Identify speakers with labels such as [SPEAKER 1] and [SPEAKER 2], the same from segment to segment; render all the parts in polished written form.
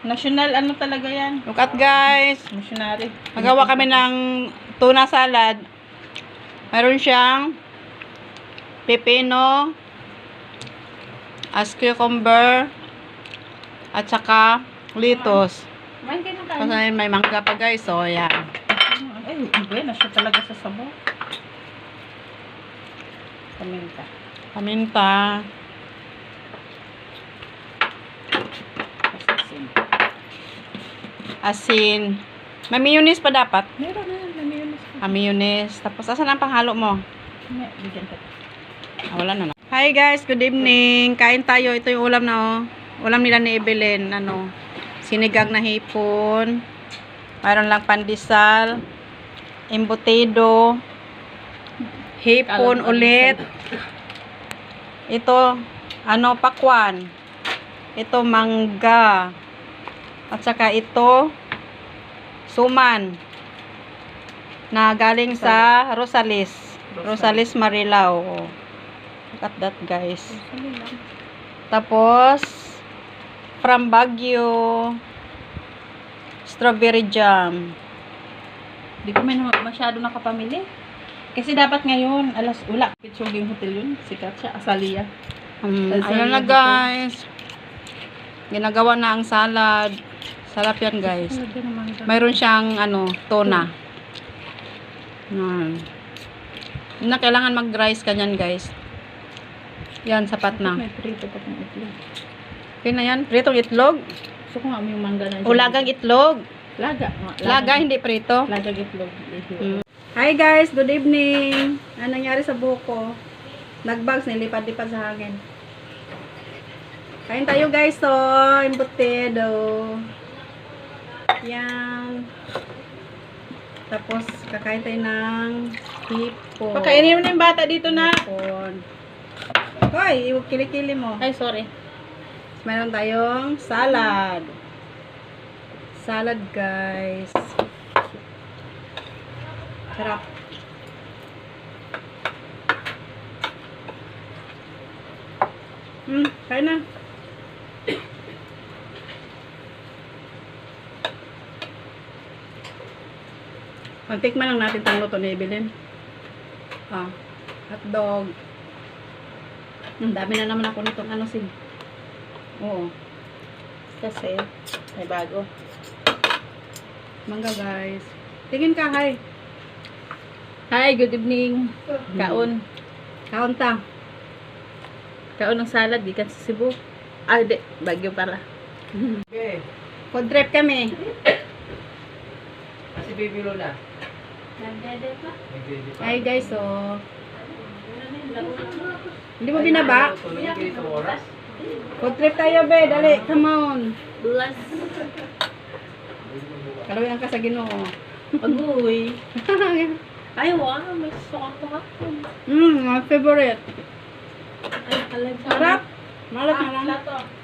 [SPEAKER 1] National ano talaga yan.
[SPEAKER 2] Look at guys.
[SPEAKER 1] Missionary.
[SPEAKER 2] Magawa kami ng tuna salad. Mayroon siyang pepino, as cucumber, at saka lettuce.
[SPEAKER 1] Kumain kayo ng kain.
[SPEAKER 2] Kasi may mangga pa guys. So, yan.
[SPEAKER 1] Ay, iba na siya talaga sa sabaw. Paminta.
[SPEAKER 2] Paminta.
[SPEAKER 1] Asin.
[SPEAKER 2] Asin. May mayonnaise pa dapat.
[SPEAKER 1] Meron na yan. Mayonnaise.
[SPEAKER 2] Mayonnaise. Tapos, asan ang panghalo mo?
[SPEAKER 1] Bigyan ka.
[SPEAKER 2] Wala na. Hi guys, good evening. Kain tayo. Ito yung ulam na oh. Ulam nila ni Evelyn. Ano, sinigang na hipon. Mayroon lang pandesal. Embutido. Hipon ulit. Ito, ano, pakwan. Ito, mangga. At saka ito, suman. Na galing sa Rosales. Rosales Marilao. Oh. Look at that guys. Tapos, from Baguio, strawberry jam.
[SPEAKER 1] Di ko may masyado nakapamili. Kasi dapat ngayon, wala. Pitsuging hotel yun. Sikat siya. Asalia.
[SPEAKER 2] Ayan na guys. Ginagawa na ang salad. Sarap yan guys. Mayroon siyang ano, tuna. Na kailangan mag-rice kanyan guys. Yan, sapat na.
[SPEAKER 1] May prito pa kong itlog.
[SPEAKER 2] Okay na yan. Pritong itlog.
[SPEAKER 1] Gusto ko nga yung mangga na.
[SPEAKER 2] Ulagang itlog.
[SPEAKER 1] Laga.
[SPEAKER 2] Laga, hindi prito.
[SPEAKER 1] Lagang itlog.
[SPEAKER 2] Hi guys, good evening. Ano nangyari sa buhok ko? Nagbags, nilipad-lipad sa hangin. Kain tayo guys, so, embutido. Yan. Tapos, kakain tayo ng hipon.
[SPEAKER 1] Pakainin mo na yung bata dito na.
[SPEAKER 2] Hipon. Hoy, iwag kilikili mo.
[SPEAKER 1] Ay, sorry.
[SPEAKER 2] Meron tayong salad. Salad guys. Sarap. Kain na. Magtikman lang natin itong luto ni Evelyn. Hotdog. Dami na naman ako nitong ano sin. Oo.
[SPEAKER 1] Kasi, may bago.
[SPEAKER 2] Mangga guys. Tingin ka, hi.
[SPEAKER 1] Hi, good evening. Kaon.
[SPEAKER 2] Kaon ta.
[SPEAKER 1] Kaon ng salad, di ka sa Cebu. Ah, di. Bagyo pala.
[SPEAKER 2] Okay. Food trip kami.
[SPEAKER 3] Si Baby Lola.
[SPEAKER 2] Hi guys, so. Hindi mo binaba? Food trip tayo, be. Dali, come on.
[SPEAKER 1] Bless.
[SPEAKER 2] Kalawin ka sa Ginoo.
[SPEAKER 1] Agoy. Ay, wow. May sukang ko hapon.
[SPEAKER 2] My favorite.
[SPEAKER 1] Ay, talaga.
[SPEAKER 2] Sarap. Malat na lang.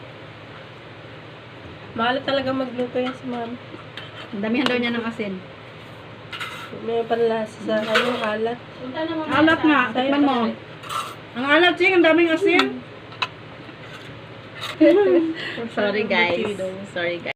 [SPEAKER 1] Mahalat talaga magluto yan si ma'am.
[SPEAKER 2] Damihan daw niya ng asin.
[SPEAKER 1] May panlasa sa alat.
[SPEAKER 2] Alat nga. Tikman mo. Ang alat, Ching. Ang daming asin.
[SPEAKER 1] Sorry guys. Sorry guys.